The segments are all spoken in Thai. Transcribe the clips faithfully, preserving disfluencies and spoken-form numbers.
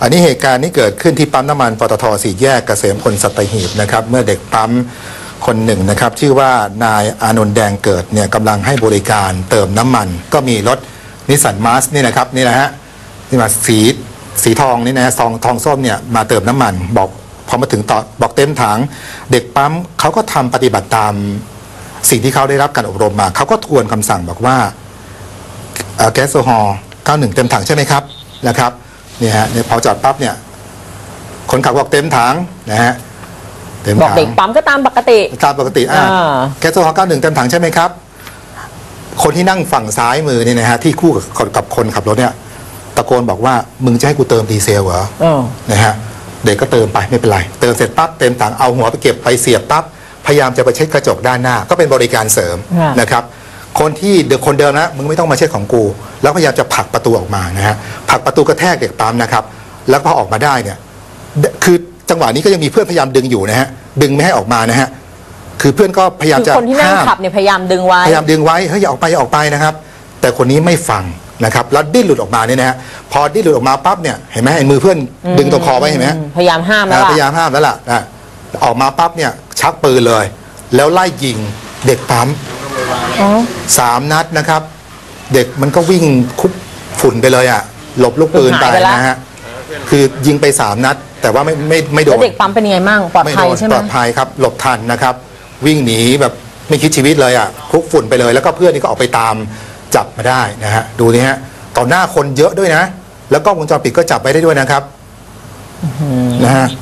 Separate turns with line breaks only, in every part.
อันนี้เหตุการณ์นี้เกิดขึ้นที่ปั๊มน้ำมันปตท.สี่แยกเกษมพลสัตหีบนะครับเมื่อเด็กปั๊มคนหนึ่งนะครับชื่อว่านายอานนท์แดงเกิดเนี่ยกำลังให้บริการเติมน้ำมันก็มีรถนิสสันมาสนี่นะครับนี่นะฮะนี่มาสีสีทองนี่นะซองทองส้มเนี่ยมาเติมน้ำมันบอกพอมาถึงต่อบอกเต็มถังเด็กปั๊มเขาก็ทำปฏิบัติตามสิ่งที่เขาได้รับการอบรมมาเขาก็ทวนคำสั่งบอกว่าแก๊สโซฮอล์เก้าสิบเอ็ดเต็มถังใช่ไหมครับนะครับเนี่ยฮะพอจอดปั๊บเนี่ยคนขับบอกเต็มถังนะฮะ
บอกเด็กปั๊มก็ตามปกติ
ตามปกติอ่าแก๊สโซฮอล์เก้าสิบเอ็ดเต็มถังใช่ไหมครับคนที่นั่งฝั่งซ้ายมือนี่นะฮะที่คู่กับกับคนขับรถเนี่ยตะโกนบอกว่ามึงจะให้กูเติมดีเซลเหรอนะฮะเด็กก็เติมไปไม่เป็นไรเติมเสร็จปั๊บเต็มถังเอาหัวไปเก็บไปเสียบปั๊บพยายามจะไปเช็ดกระจกด้านหน้าก็เป็นบริการเสริมนะครับคนที่เดินคนเดิมนะมึงไม่ต้องมาเช็ดของกูแล้วพยายามจะผลักประตูออกมานะฮะผลักประตูกระแทกเด็กปั๊มนะครับแล้วพอออกมาได้เนี่ยคือจังหวะนี้ก็ยังมีเพื่อนพยายามดึงอยู่นะฮะดึงไม่ให้ออกมานะฮะคือเพื่อนก็พยายามจะ
คนที่นั่งขับเนี่ยพยายามดึงไว้
พยายามดึงไว้เฮ้ยอย่าออกไปอย่าออกไปนะครับแต่คนนี้ไม่ฟังนะครับแล้วดิ้นหลุดออกมาเนี่ยนะฮะพอดิ้นหลุดออกมาปั๊บเนี่ยเห็นไหมไอ้มือเพื่อนดึงตรงคอไว้เห็นไหม
พยายามห้ามแล้ว
พยายามห้ามแล้วล่ะนะออกมาปั๊บเนี่ยชักปืนเลยแล้วไล่ยิงเด็กปั๊มสามนัดนะครับเด็กมันก็วิ่งคุบฝุ่นไปเลยอ่ะหลบลูกปืนไปนะฮะคือยิงไปสามนัดแต่ว่าไม่ไม่ไม่โดน
เด็กปั๊มเป็นยังไงมั่งปลอดภัยใช่ไหม
ปลอดภัยครับหลบทันนะครับวิ่งหนีแบบไม่คิดชีวิตเลยอ่ะคุกฝุ่นไปเลยแล้วก็เพื่อนนี่ก็ออกไปตามจับมาได้นะฮะดูนี่ฮะต่อหน้าคนเยอะด้วยนะแล้วก็วงจรปิดก็จับไปได้ด้วยนะครับนะฮะ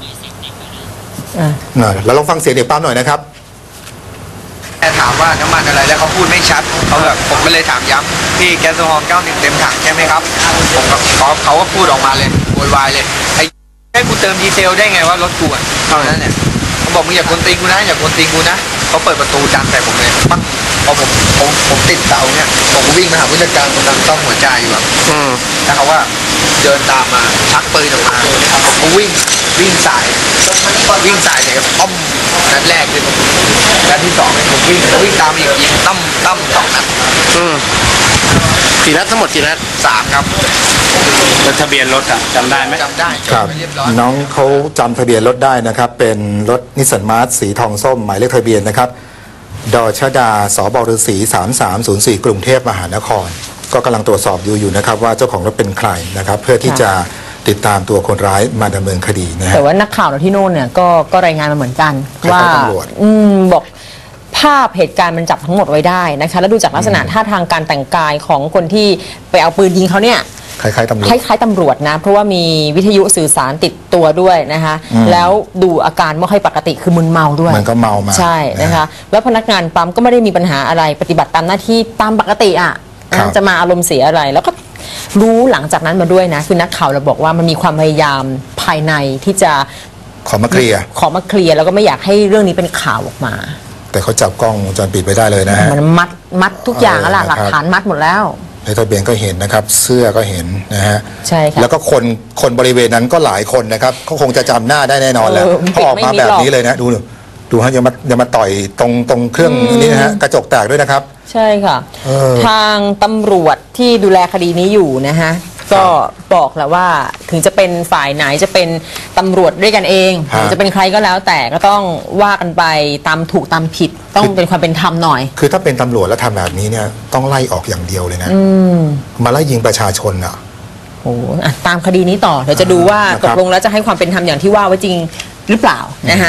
เราลองฟังเสียงเด็กปั๊มหน่อยนะครับ
แค่ถามว่าน้ำมันอะไรแล้วเขาพูดไม่ชัดเขาแบบผมก็เลยถามย้ำพี่แก๊สโซฮอล์เก้าสิบเต็มถังใช่ไหมครับผมกับเขาเขาก็พูดออกมาเลยโวยวายเลยไอ้ให้กูเติมดีเซลได้ไงว่ารถกูอ่ะเท่านั้นเนี่ยเขาบอกมึงอย่ากวนตีนกูนะอย่ากวนตีนกูนะเขาเปิดประตูดันใส่ผมเลยปั้งพอผมผมผมติดเสาเนี่ยผมก็วิ่งมาหาผู้จัดการคนนั้นต้องหัวใจอยู่แบบแล้วเขาว่าเดินตามมาชักปืนออกมาผมก็วิ่งวิ่งสายวิ่งสายเลยป้อมนัดแรกเลยนัดที่สองผมวิ่งวิ่งตามอีกยิงตั้มตั้มสองนัด
กี่นัดทั้งหมดกี่นัด
สามครับ
แล้วทะเบียนรถอะจำได้ไหม
จำได้
ครับน้องเขาจำทะเบียนรถได้นะครับเป็นรถนิสสันมาร์สสีทองส้มหมายเลขทะเบียนนะครับดชดาสบฤษีสามสามศูนย์สี่กรุงเทพมหานครก็กำลังตรวจสอบอยู่อยู่นะครับว่าเจ้าของรถเป็นใครนะครับเพื่อที่จะติดตามตัวคนร้ายมาดำเนินคดีนะ
แต่ว่านักข่าวเราที่โน่นเนี่ยก็ก็รายงานมาเหมือนกันว่าอืมบอกภาพเหตุการณ์มันจับทั้งหมดไว้ได้นะคะแล้วดูจากลักษณะท่าทางการแต่งกายของคนที่ไปเอาปืนยิงเขาเนี่ย
คล้ายๆตำรวจ
คล้ายๆตำรวจนะเพราะว่ามีวิทยุสื่อสารติดตัวด้วยนะคะแล้วดูอาการไม่ค่อยปกติคือมึนเมาด้วย
มันก็เมามา
ใช่นะคะแล้วพนักงานปั๊มก็ไม่ได้มีปัญหาอะไรปฏิบัติตามหน้าที่ตามปกติอ่ะจะมาอารมณ์เสียอะไรแล้วก็รู้หลังจากนั้นมาด้วยนะคือนักข่าวเราบอกว่ามันมีความพยายามภายในที่จะ
ขอมาเคลียร์
ขอมาเคลียร์แล้วก็ไม่อยากให้เรื่องนี้เป็นข่าวออกมา
แต่เขาจับกล้องวงจรปิดไว้ได้เลยนะฮะ
มันมัดมัดทุกอย่างแล้วหลักฐานมัดหมดแล้ว
ในทะเบียนก็เห็นนะครับเสื้อก็เห็นนะฮะ
ใช่ค่ะ
แล้วก็คนคนบริเวณนั้นก็หลายคนนะครับเขาคงจะจำหน้าได้แน่นอนแหละพอออกมาแบบนี้เลยนะดูดูฮะอย่ามาอย่ามาต่อยตรงตรงเครื่องนี้นะฮะกระจกแตกด้วยนะครับ
ใช่ค่ะทางตำรวจที่ดูแลคดีนี้อยู่นะฮะก็บอกแล้วว่าถึงจะเป็นฝ่ายไหนจะเป็นตำรวจด้วยกันเองหรือจะเป็นใครก็แล้วแต่ก็ต้องว่ากันไปตามถูกตามผิดต้องเป็นความเป็นธรรมหน่อย
คือถ้าเป็นตำรวจแล้วทำแบบนี้เนี่ยต้องไล่ออกอย่างเดียวเลยนะมาไล่ยิงประชาชนอ่ะ
โอ้ตามคดีนี้ต่อเดี๋ยวจะดูว่าตกลงแล้วจะให้ความเป็นธรรมอย่างที่ว่าไว้จริงหรือเปล่านะฮะ